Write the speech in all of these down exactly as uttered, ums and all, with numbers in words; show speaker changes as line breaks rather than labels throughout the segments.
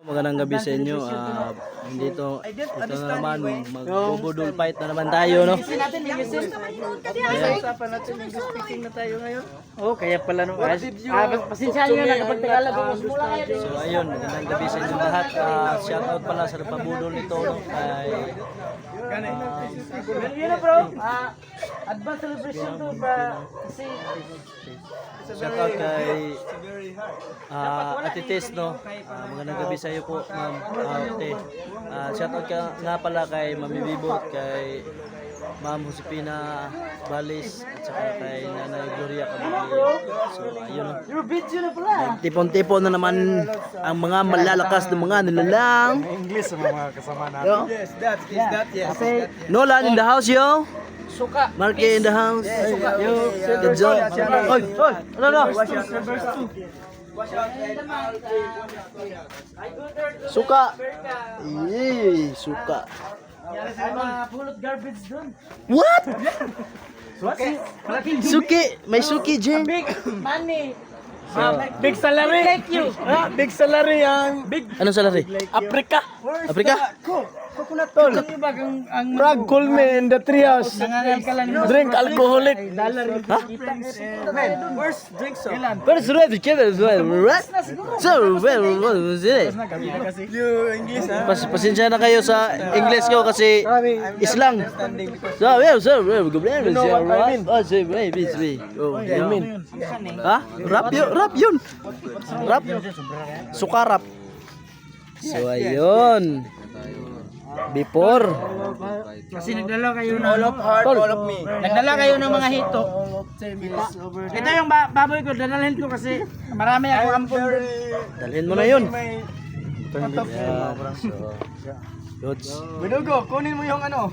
Magandang gabi sa inyo. Uh, dito, ito na naman, mag-budol fight na naman tayo, no?
Kaya usapan natin English speaking na tayo ngayon. Oh, kaya pala no. Ah, pasensya niyo na kapag Tagalog mas mula kayo.
So ayun, magandang gabi sa inyo lahat. Uh, shout out pala sa nagpabudol nito, no? Kay
Yun na bro. Ah, advance celebration to ba kasi
shout out kay uh, Ate Tess, no? Uh, magandang gabi sa iyo po, ma'am. Uh, ate. Uh, shout out ka nga pala kay Mami Bibot, kay Ma'am Josepina Balis, at saka kay Nanay Gloria Caballero. So ayun, no?
your video na pala.
Tipon-tipon na naman ang mga malalakas ng mga nilalang.
English sa mga kasama natin.
Yes, that is that. Yes.
Nolan in the house, yo.
Suka.
Marky in the house.
Suka.
Yo, good job. Oy, oy, ano na? Suka. Yee, suka.
Ay, mga pulot garbage doon.
What?
Suki.
Suki, may suki, Jen.
Big money.
Big salary.
Thank you.
Ah, big salary ang big
Anong salary?
Africa.
Afrika?
Coconut tol. Ang bagang ang
Frag Colme in the trias.
nangangal ka lang.
Drink alcoholic.
Dollar yung
Ha?
kita. Man, where's drinks so?
Pero surat, kaya surat. Right? So, well, what was it?
You English ha?
Pas pasensya na kayo sa English ko kasi islang. So, well, so, well, go blame
You know what I mean?
Oh, say, wait, wait, wait. Oh, I mean. Ha? Rap yun, rap yun. Rap. Sukarap. So, ayun. Before.
Kasi nagdala kayo ng
All of heart,
Tol.
all of me.
Nagdala kayo ng mga hito. Ito yung ba baboy ko, dadalhin ko kasi marami ako ampon doon.
Dalhin mo na yun.
May
Yeah. So, goods.
Binugo, kunin mo yung ano.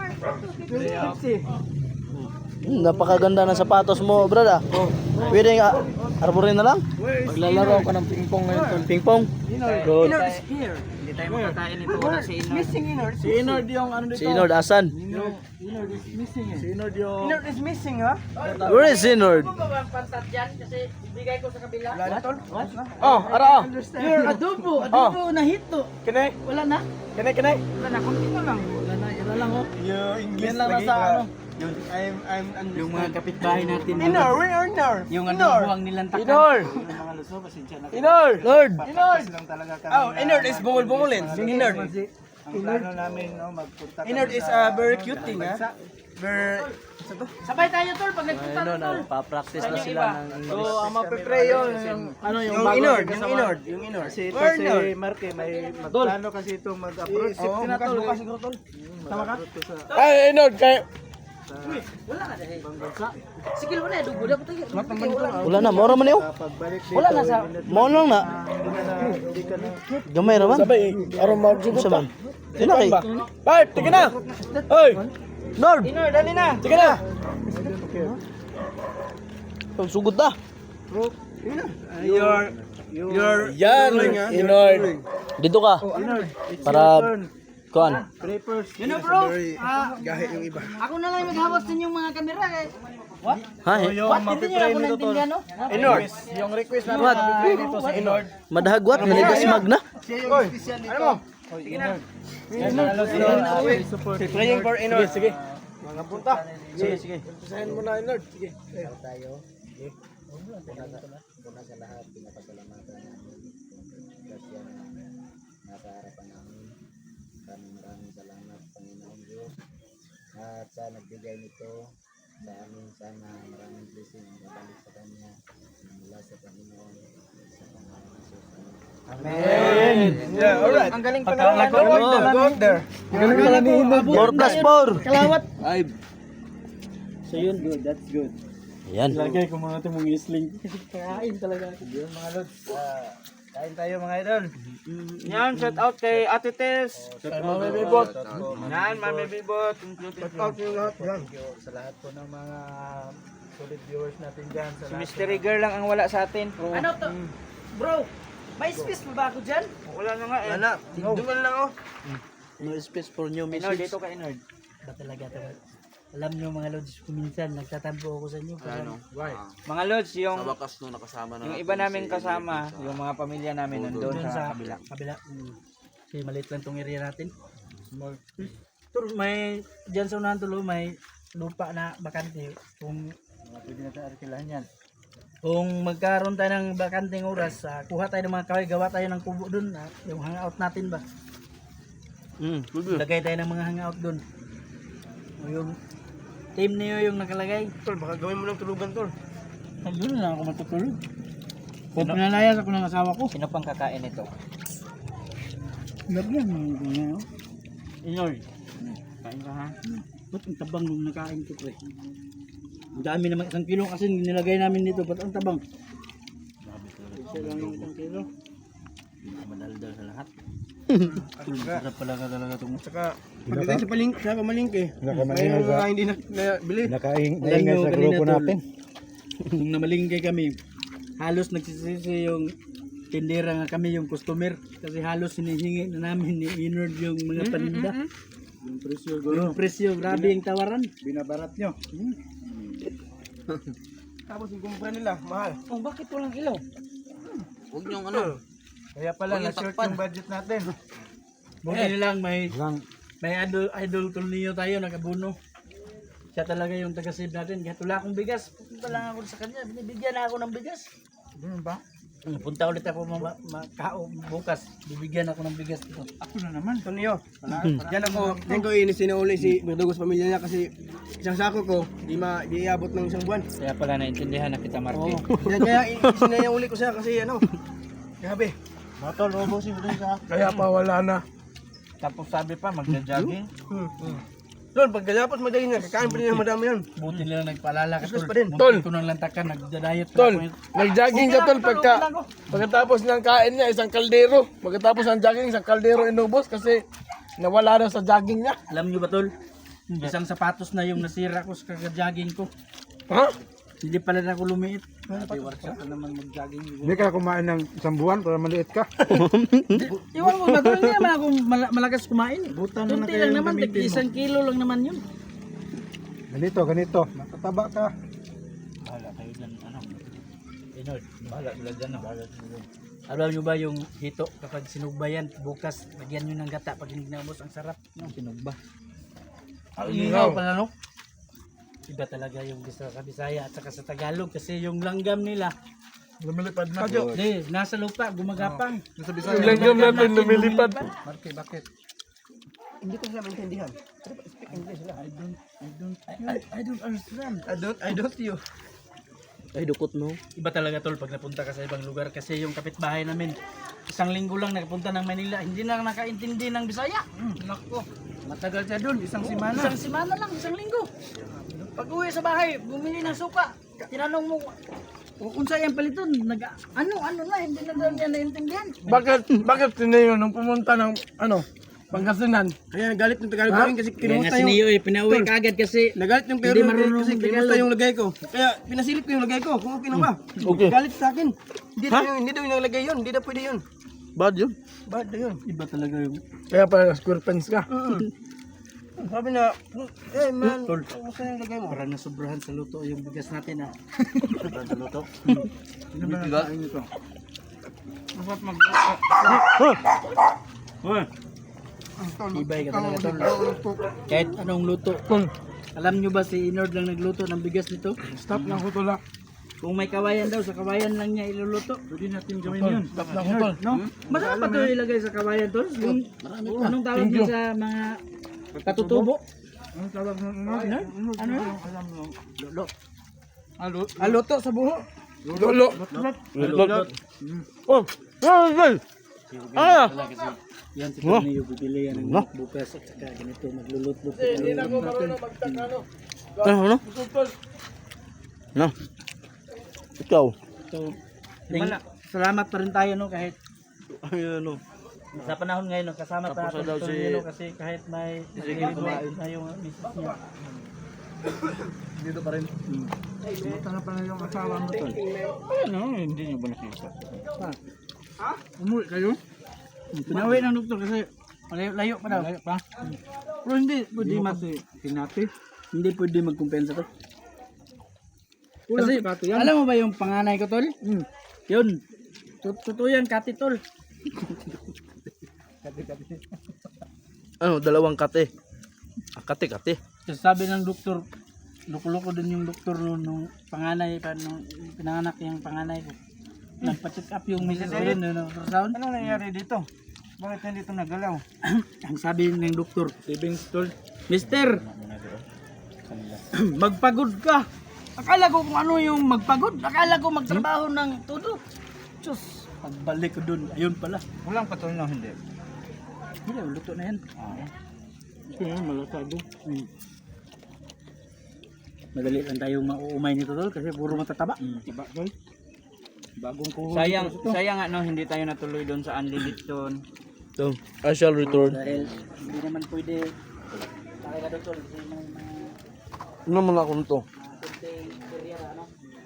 Hmm, napakaganda ng sapatos mo, brad. Ah. Pwede nga arborin na lang.
Maglalaro ako ng pingpong ngayon tol.
Pingpong. Good.
Inord is here. Hindi tayo makakain ito wala si Inord.
Missing Inord. Si Inord yung ano dito.
Si Inord, asan?
Inord is missing eh. Si Inord yung Inord is missing ha?
Where is Inord?
Ano ba bang pantat yan? Kasi ibigay ko sa kabila.
Wala na tol? Oh, ara oh.
Your adobo, adobo na hito.
Kinay,
Wala na?
kinay, kinay.
Wala na, konti na lang. Wala na, wala lang oh.
Yung English
Yan lang
lagi
nasa
ba?
ano.
Yun, I'm, I'm,
Yung mga kapitbahay natin.
Inor, where are Inor?
Yung
Inor.
adobo ang nilantakan.
Inor.
Yung mga luso, pasensya na.
Inor.
Lord.
Inord. Oh, Inord is bungol-bungolin. Inord. Ang plano namin, no, magpunta. Inord is uh, very cute thing, ha? Very...
Sabay tayo tol pag nagpunta
Ayun,
tol.
nagpa-practice na sila ng
So,
English.
ang mapipray yun, yung, ano, yung, yung Inord, yung Inord, yung Inord. Kasi ito si Marque, may magplano kasi ito mag-approach. Oo, bukas, bukas siguro, tol. Tama ka? Ay, Inord, kayo.
Wala na dahil. Sige mo na, adobo na po tayo.
Wala na, mora man yun.
Pagbalik dito,
Wala na sa
Mo lang na.
hindi ka na, hindi ka na.
Gamay raman.
Sabay, araw magsugod
Sa man. Sino kay?
Bart, tika na! Hoy!
Lord.
Inord, dali na.
Tika na!
Sugod na.
Your, your, yan, Inord.
Dito ka. Para kuan.
Yun na bro. Ah,
Gahe yung iba.
ako na lang maghawak sa inyong mga kamera eh. What?
Ha? eh?
What? Hindi niyo ako naintindihan no?
Inord, yung request namin
What?
mapipray dito sa Inord.
Madahagwat, manigas magna.
Hoy, ano mo?
Sige na.
Praying for Inord. Sige, sige. Mga punta. Sige, sige. Pisahin mo na Inord. Sige. Tayo. Sige. Una sa lahat, pinapasalamatan namin. Kasi nasa harapan namin. Maraming maraming salamat, Panginoon Diyos. At sa nagbigay nito sa amin, sana maraming blessing ang mabalik sa Kanya mula sa Panginoon sa pangalan ng Jesus. Amen. Yeah, alright.
Ang galing pa
Go
na.
out there, go out there. Galing pala ni Inord.
four plus four.
Kalawat.
So yun, good. That's good.
Ayan.
Lagay ko mga ito mong isling.
Kain talaga.
Yun mga lods. Ah, kain tayo mga idol.
Yan, shout out kay Ate Tess.
Kay Mami Bibot.
Yan, Mami Bibot.
Shout out yung lahat yan. Sa lahat po ng mga solid viewers natin dyan. Sa
Si
lahat
Mystery Girl lang ang wala sa atin. Ano to? Bro, may space pa ba ako dyan? Wala na nga eh.
Wala. Duman lang oh.
No space for new
Inord,
message.
dito ka Inord.
Ba talaga ito?
Alam nyo mga lods, kuminsan nagtatampo ako sa inyo.
Ano?
Mga lods, yung
Sa wakas no nakasama na
yung
natin
iba
si
namin
Elvin
kasama,
sa-
yung mga pamilya namin nandun
Doon
sa
sa
kabila.
kabila. Mm. Kasi maliit lang tong area natin. Pero may, dyan sa unahan tulo, may lupa na bakante. Kung
Pwede na tayo arkilahan yan.
kung magkaroon tayo ng bakanting oras, ah, kuha tayo ng mga kahoy, gawa tayo ng kubo doon. ah, yung hangout natin ba?
Mm,
Lagay tayo ng mga hangout doon. O yung team niyo yung nakalagay.
Tol, baka gawin mo ng tulugan, Tol.
Doon na ako matutulog. Kung pinalayas ako ng asawa ko.
Sino pang kakain ito?
Lagyan mo yung ano.
Inoy. Kain ka ha?
Ba't ang tabang nung nakain ko pre? Ang dami naman isang kilo kasi nilagay namin dito. Ba't ang tabang? Isa lang yung isang kilo.
madaldal sa lahat.
Sarap pala ka talaga itong.
Saka, pagdating sa paling sa pamalingke, may mga hindi na, na bili.
Nakaing,
Alam
naingat
nyo
sa
kanina
grupo
tol,
natin.
nung namalingkay kami, halos nagsisisi yung tindera nga kami yung customer. Kasi halos hinihingi na namin ni Inord yung mga paninda.
Yung presyo,
Yung presyo, grabe yung tawaran.
binabarat nyo. Tapos yung kumpra nila, mahal.
Oh, bakit walang ilaw?
Huwag niyong ano.
Kaya pala,
Huwag yung
na-short
takpan.
yung budget natin.
Buti na lang may
Lang,
may idol idol Tulnio tayo nakabuno. Siya talaga yung taga-save natin. Kaya wala akong bigas. Pupunta lang ako sa kanya. Binibigyan na ako ng bigas.
Ganun ba?
Punta ulit ako ma ma kao bukas. Bibigyan ako ng bigas dito.
Ako na naman. Ito niyo. Diyan ako, diyan ko inisinauli si Berdugos pamilya niya kasi isang sako ko, di ma di iabot ng isang buwan.
Kaya pala naintindihan na kita, Marky.
Yan kaya isininauli ko siya kasi ano, grabe.
matol, robosin mo sa
Kaya pa wala na.
Tapos sabi pa, magja-jogging.
Hmm. Doon, pagkatapos madali na, kakain pa rin ng madami yan.
Buti nila nagpaalala ka
Business
tol.
pa din.
Muntik
Tol.
ko nang lantakan, nagda-diet pa
Tol,
ako.
nag-jogging ka tol pagka pagkatapos ng kain niya isang kaldero. Pagkatapos ng jogging isang kaldero inubos kasi nawala daw sa jogging niya.
Alam niyo ba tol? Isang sapatos na yung nasira ko sa kaka-jogging ko.
Ha?
Hindi pala na ako lumiit.
Grabe, workshop na naman mag-jogging.
Hindi ka kumain ng isang buwan para maliit ka.
Iwan mo ba tol? Hindi naman ako mal- malakas kumain.
Buta na na
Kunti
kaya
lang
yung
naman,
gamitin mo.
isang kilo lang naman yun.
Ganito, ganito. Matataba ka.
Bahala kayo dyan, ano. Pinoy, bahala sila dyan, no? Alam nyo ba yung hito, kapag sinugbayan, bukas, lagyan nyo ng gata pag hindi naubos, ang sarap. No? Sinugba. Ang inihaw pala, no? Iba talaga yung bisa sa Bisaya at saka sa Tagalog kasi yung langgam nila,
Lumilipad na.
di, nasa lupa, gumagapang.
Nasa Bisaya.
Yung langgam natin lumilipad.
Marke, bakit? Hindi ko sila maintindihan. Speak English lang. I don't, I don't,
I, I, I don't understand.
I don't, I don't you.
Ay, dukot no.
Iba talaga tol pag napunta ka sa ibang lugar kasi yung kapitbahay namin, isang linggo lang nakapunta ng Manila, hindi na nakaintindi ng Bisaya. Hmm, nako.
Matagal siya dun, isang simana.
Isang semana lang, isang linggo. Pag uwi sa bahay, bumili ng suka. Tinanong mo, "O, unsa yung paliton? Nag, ano, ano na, hindi na daw niya naintindihan.
Bakit bakit sinayo nung pumunta ng ano Pangasinan?
Kaya nagalit ng Tagalog pa rin kasi
Kaya
kinusta
nga
yung...
sinio eh, pinauwi kagad kasi
Nagalit yung
Hindi
Tagalog
marunong
kasi kinusta
Tagalog.
yung lagay ko. Kaya pinasilip ko yung lagay ko. Kung okay na ba? Okay. Galit sa akin. Hindi daw yung, hindi daw yung nalagay yun. Hindi daw pwede yun.
Bad yun.
Bad na yun.
iba talaga yung
Kaya pala square pants ka.
Sabi na, eh man,
Tol.
kumusta yung lagay mo?
parang nasobrahan sa luto yung bigas natin ah.
Sa luto.
Ano ba nakain nito?
Dapat mag... Ibay ka talaga tol. Kahit anong luto. Alam nyo ba si Inord lang nagluto ng bigas nito?
Stop lang ko tol.
Kung may kawayan daw, sa kawayan lang niya iluluto.
Pwede natin gawin yun.
Stop lang ko tol.
No? Masarap pa ito ilagay sa kawayan tol. Yung, anong tawag din sa mga katutubo?
Ano tawag mo? Ano?
Ano? Ano?
Alam mo.
Lolo.
Aluto sa buho.
Lolo.
Lolo.
Oh, ay, ah,
Yan si Corneo, bibili yan ng bukas at saka ganito, magluluto.
hindi na ako marunong magtakano.
Ano, ano? Ano? Ikaw.
So, ting- salamat pa rin tayo no kahit
Ay, ano?
sa panahon ngayon no, kasama
Tapos
tayo
na daw
si
si-
no, kasi kahit may kumain na yung misis niya.
Dito pa rin. Kumusta na pala yung asawa mo tol?
Ano, hindi niyo ba nakita?
Ha? Umuwi kayo?
Pinawi ng doktor kasi layo, layo pa daw. Layo pa? Pero hindi, pwede mas
Tinati.
Hindi pwede magkumpensa to. Kasi, alam mo ba yung panganay ko, tol? Mm. Yun. Tut- Totoo yan, kati, tol.
Ano, dalawang kate. Ah, kate, kate.
Kasi sabi ng doktor, loko-loko din yung doktor nung, nung panganay, pa, nung pinanganak yung panganay ko. Nagpa-check up yung misis ko yun, no, ultrasound.
Ano nangyari dito? Bakit hindi ito nagalaw?
Ang sabi ng doktor, savings tol, Mister, magpagod ka. Akala ko kung ano yung magpagod. Akala ko magtrabaho ng todo. Diyos, pagbalik ko dun, ayun pala.
Walang patuloy na hindi.
Hindi, luto na yan.
Kaya malasado.
Hmm. Madali lang tayong mauumay nito tol kasi puro matataba.
Diba, tol? Bagong kuho.
Sayang, sayang ano, hindi tayo natuloy doon sa unlimited doon.
So, I shall return.
Dahil hindi naman pwede takay ka doon tol kasi may mga
Ano naman ako nito?
konting area ano.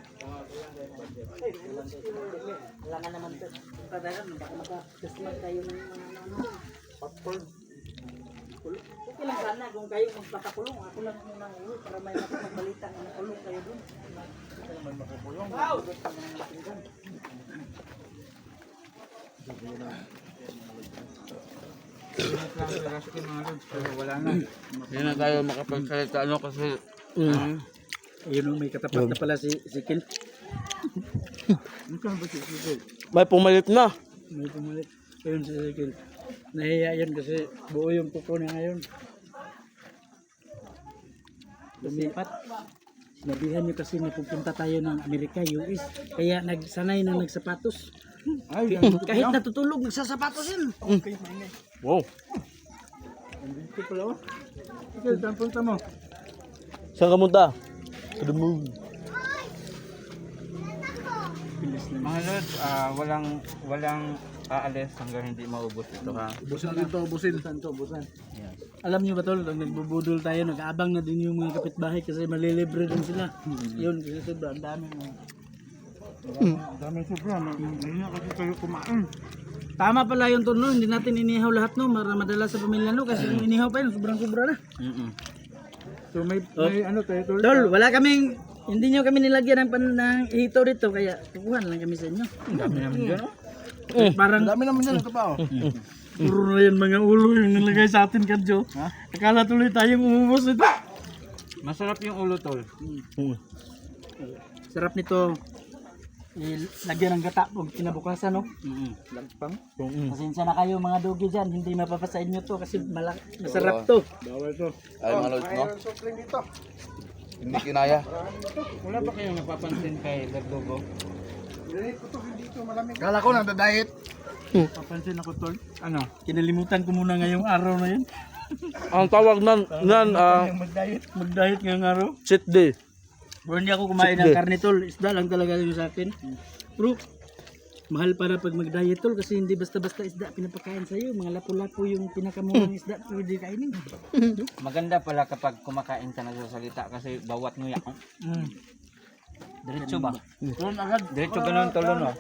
Kailangan naman ito. Tadahan, baka maka-customer tayo ng mga ano. Popcorn. Okay lang sana kung kayo magpapakulong. Ako lang muna uwi para may makapagbalita na nakulong kayo doon. May makakulong. Wow!
Wala na.
Hindi na tayo makapagsalita ano kasi
Mm. Ayun, may katapat na pala si si Kel.
May pumalit na.
May pumalit. Ayun si Kel. Nahiya yan kasi buo yung kuko niya ngayon. Lumipat. Sinabihan niyo kasi na pupunta tayo ng Amerika, U S. Kaya nagsanay na nagsapatos.
Ay,
Kahit natutulog, nagsasapatos yun.
Wow.
dito pala. oh. Sige, saan punta mo?
Saan ka munta? To the moon.
Mga lods, ah, walang walang aalis hanggang hindi maubos ito ha.
Busan dito, busin.
Busan to, busan. Alam niyo ba tol, pag nagbubudol tayo, nag-aabang na din yung mga kapitbahay kasi malilibre din sila. Yun, kasi sobrang dami.
Ang dami sobra. Hindi na kasi kayo kumain.
Tama pala yung tol, no? Hindi natin inihaw lahat no, para madala sa pamilya no, kasi yung inihaw pa yun, sobrang sobra na.
Mm-mm.
So may, may ano tayo, tol?
Tol, wala kaming, hindi nyo kami nilagyan ng, pan, ng hito dito, kaya tukuhan lang kami sa inyo.
Ang dami naman dyan. oh.
Parang,
Ang dami naman yan, ito pa oh.
puro na yan mga ulo yung nilagay sa atin, Kadjo. Akala tuloy tayong umubos nito.
Masarap yung ulo tol.
Sarap nito. Lagyan ng gata pag kinabukasan, no?
Mm-mm.
Lagpang.
Pasensya na kayo mga dogi dyan, hindi mapapasa inyo to kasi malak masarap to.
Bawal to.
ay mga lods no.
Sopling dito.
Hindi kinaya.
Wala ba kayong napapansin kay Verdugo?
Diret ko to, hindi to malamig.
Kala ko nagda-diet.
Papansin ako, tol. Ano? Kinalimutan ko muna ngayong araw na yun.
Ang tawag nan, nan, ah,
Mag-diet. Mag-diet ngayong araw.
cheat day.
Pero hindi ako kumain ng karne, tol. Isda lang talaga yun sa akin. Pero, mahal para pag mag-diet, tol. Kasi hindi basta-basta isda pinapakain sa'yo. Mga lapu-lapu yung pinakamurang isda pwede kainin.
Maganda pala kapag kumakain ka nagsasalita kasi bawat nguya.
Mm.
Diretso ba?
Tuloy agad.
Diretso ganun tolo no.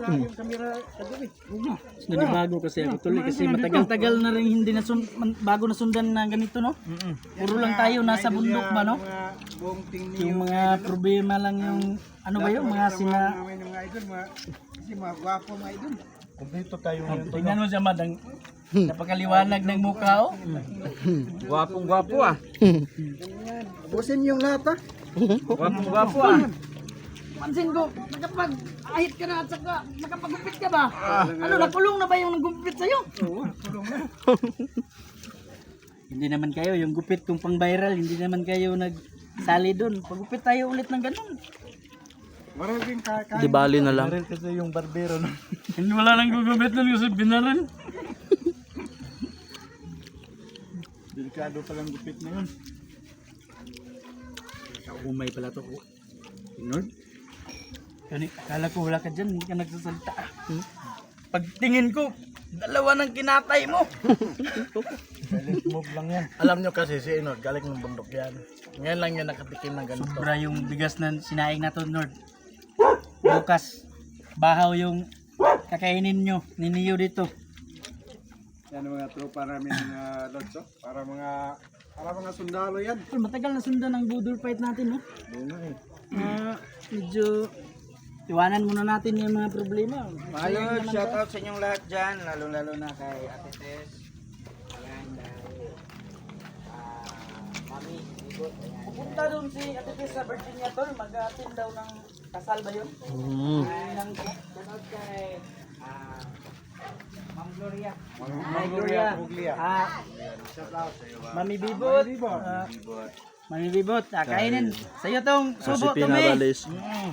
Nanibago kasi ako tuloy kasi matagal-tagal na rin hindi na bago na sundan na ganito, no? Puro lang tayo nasa bundok ba, no?
Buong tingni
Yung mga problema lang yung ano ba yun, mga sina
namin ng mga idol, mga, kasi mga gwapo mga idol. Kumpleto tayo ngayon.
tingnan mo siya madang napakaliwanag ng mukha, oh.
Gwapong gwapo ah.
Busin yung lahat ha.
Gwapong gwapo ah.
Pansin ko, nakapag-ahit ka na at saka nakapagupit ka ba? Ano, nakulong na ba yung nagupit sa'yo? Oo, kulong na. Hindi naman kayo, yung gupit kung pang viral, hindi naman kayo nagsali doon. Pagupit tayo ulit ng ganun.
Maraming kakain.
Di bali na lang.
Baril kasi yung barbero no.
Hindi wala nang gugupit nun kasi binaral.
Delikado palang gupit na yun.
Umay pala to. Lord? Kani, akala ko wala ka dyan, hindi ka nagsasalita. Hmm? Pagtingin ko, dalawa ng kinatay mo.
Silent move lang yan. Alam nyo kasi si Inod, galing ng bundok yan. Ngayon lang yan nakatikim ng ganito.
Sobra yung bigas na sinaing na to, Lord. Bukas, bahaw yung kakainin nyo, niniyo dito.
Yan ang mga tropa namin mga lods, oh. Para mga
Para mga sundalo yan.
Tol, matagal na sundan ang budol fight natin, no? Ah, medyo iwanan muna natin yung mga problema.
Mga Lord, shout out sa inyong lahat dyan, lalo-lalo na kay Ate Tess. Ayan, dahil ah, Mami, Bigot. Pupunta doon si Ate Tess sa Virginia, tol. Mag-attend daw ng kasal ba yun?
Mm.
Ay, nang shout out kay ah, Ma'am Gloria. Ma'am Gloria. Ah, Mami Bibot. Ah, Mami Bibot, ah, kainin. Sa'yo tong subo,
Si
Tumi.
Pinabalis.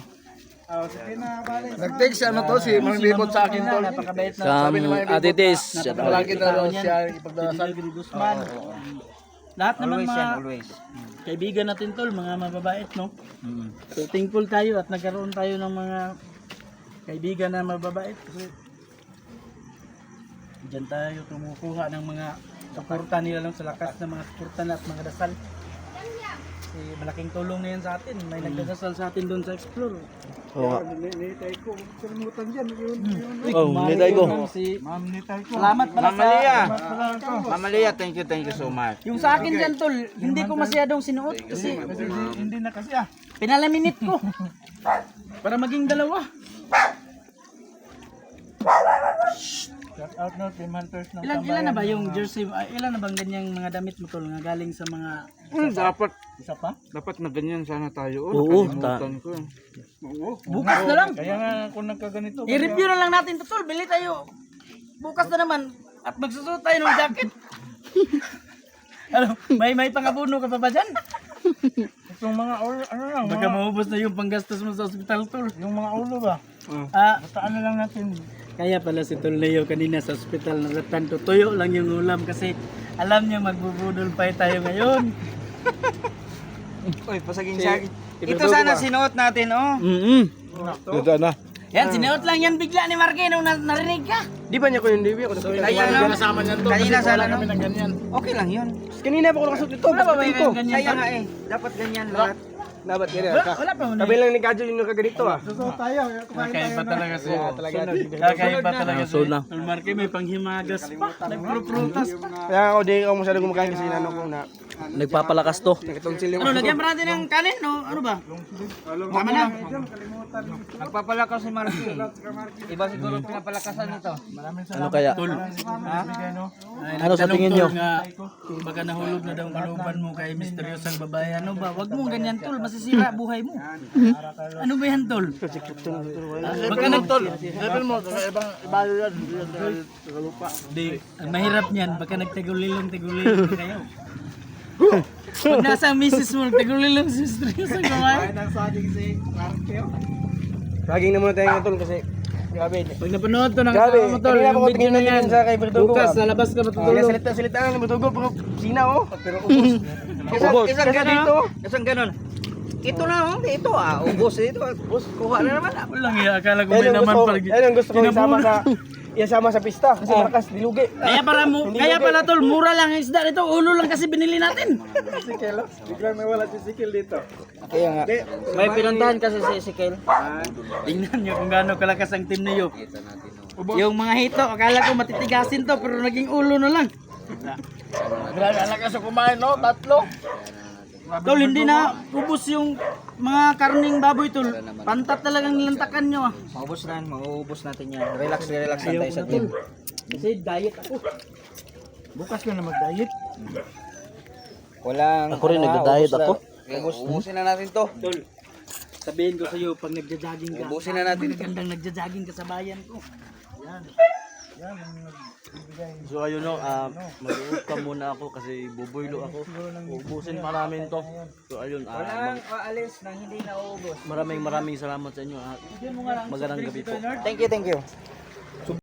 Nag-text ano to si Mang Bibot sa akin tol.
Napakabait na.
Sa Ate Tess. Shout out.
Malaki na daw siya ipagdarasal.
Guzman. Lahat naman
Always
mga
yan, always.
kaibigan natin tol, mga mababait, no? So thankful tayo at nagkaroon tayo ng mga kaibigan na mababait kasi diyan tayo tumukuha ng mga suporta nila lang sa lakas ng mga suporta na at mga dasal. Kasi malaking tulong na yan sa atin. May nagdadasal sa atin doon sa Explore.
Oo nga.
Nitay ko, kalimutan dyan. Yun, yun.
Oh, nitay ko.
Si
Ma'am, nitay ko.
Salamat pala
Mama
sa
Lia. Mama Lia, thank you, thank you so much.
yung sa akin dyan tol, hindi ko masyadong sinuot kasi
Kasi hindi, hindi na kasi ah.
pinalaminit ko para maging dalawa.
Shout out no, Team Hunters ng
Ilan ilan na ba yung jersey? ah, Ilan na bang ganyang mga damit mo tol nga galing sa mga
Hmm, dapat,
isa pa?
dapat na ganyan sana tayo.
Oo,
nakalimutan ko.
Bukas na lang.
Kaya nga kung nagkaganito.
I-review na lang natin to tol. Bili tayo. Bukas na naman at magsusuot tayo ng jacket. Ano, may may pangabuno ka pa ba dyan?
Itong mga ulo, ano lang,
Baka maubos na yung panggastos mo sa ospital tol.
yung mga ulo ba?
Ah,
Basta ano lang natin.
kaya pala si Tol Leo kanina sa ospital na tanto tuyo lang yung ulam kasi alam niya magbubudol pa tayo ngayon.
Uy, pasaging siya. Ito sana sinuot natin, oh.
Mm-mm.
Ito na.
Yan, sinuot lang yan bigla ni Marque nung na- narinig ka.
Di ba niya ko yung Debbie? Ako
Kaya lang,
kasama niyan to.
kanina
Kasi
sana,
wala
no?
kami ng ganyan.
Okay lang yun.
Kanina pa ako nakasuot ito.
Wala ba ba yung ganyan?
Kaya nga eh, dapat ganyan lahat.
Dapat ganyan.
Wala, wala pa mo
Kami lang ni Kadjo yung nakaganito ah.
Susunod tayo. Kumain tayo.
pa talaga si
Talaga.
Kakaiba talaga si
So na.
Tol Marque may panghimagas pa. Nagpro-prutas pa.
Kaya ako di ako masyado kumakain kasi inano ko na
Nagpapalakas to.
nakitongsil yung
Ano, lagyan pa natin ng kanin no? Ano ba? Tama na.
Nagpapalakas si Marky. Iba siguro pinapalakasan nito.
Ano kaya?
Tol. Ay,
Ano sa
nagtanong,
tingin
Tol,
nyo?
Nga, baka nahulog na daw ang kalooban mo kay misteryosang babae. Ano ba? Wag mo ganyan tol, masisira buhay mo. Ano ba yan tol? Ah, Baka nagtol.
level mo, ibang ibayo yan.
Di, ang mahirap niyan, baka nagtagulilong-tagulilong na kayo. Pag nasa misis mo, nagtagulilong si misteryosang babae.
Saging na muna tayo ng tol kasi grabe.
Pag napanood to ng
Grabe,
asawa mo tol,
kanina pa
yung
ko
video na yan.
tingin sa kay Bertugo.
Bukas, lalabas ka
Kaya
matutulog.
salita-salita lang ng Bertugo pero sina oh. Pero ubos.
Isang, isang
Kasi
ganon.
dito.
Isang ganon. Ito na, oh. Ito ah. Ubos ito. Ubos. Kuha na naman. ah.
Walang iya, akala ko
Yan
may
ang
naman
gusto,
pala.
yan ang gusto ko isama sa isama sa pista kasi malakas dilugi.
Kaya para mo, kaya pala tol, mura lang ang isda nito, ulo lang kasi binili natin.
Sikel. Biglang may wala si Sikel dito.
Kaya nga. May pinuntahan kasi si Ezekiel.
Tingnan niyo kung gaano kalakas ang team niyo. Yung mga hito, akala ko matitigasin to, pero naging ulo na lang.
Grabe ang lakas sa kumain no, tatlo.
Tol, hindi na ubos yung mga karning baboy tol. Pantat talagang nilantakan nyo ah.
Maubos na, mauubos natin yan. Relax, relax lang tayo sa team.
Kasi diet ako.
Bukas ka na mag-diet.
Walang...
Ako rin, nagda-diet ako.
Ubus, ubusin na natin to.
Tol, sabihin ko sa iyo pag nagja-jogging ka.
Ubusin na natin to.
Magandang nagja-jogging ka sa bayan ko.
So ayun no, uh, mag-uot ka muna ako kasi bubuylo ako. Ubusin pa namin to. So ayun, ah,
Walang aalis nang hindi na uubos.
maraming maraming salamat sa inyo. ah. Magandang gabi po.
Thank you, thank you.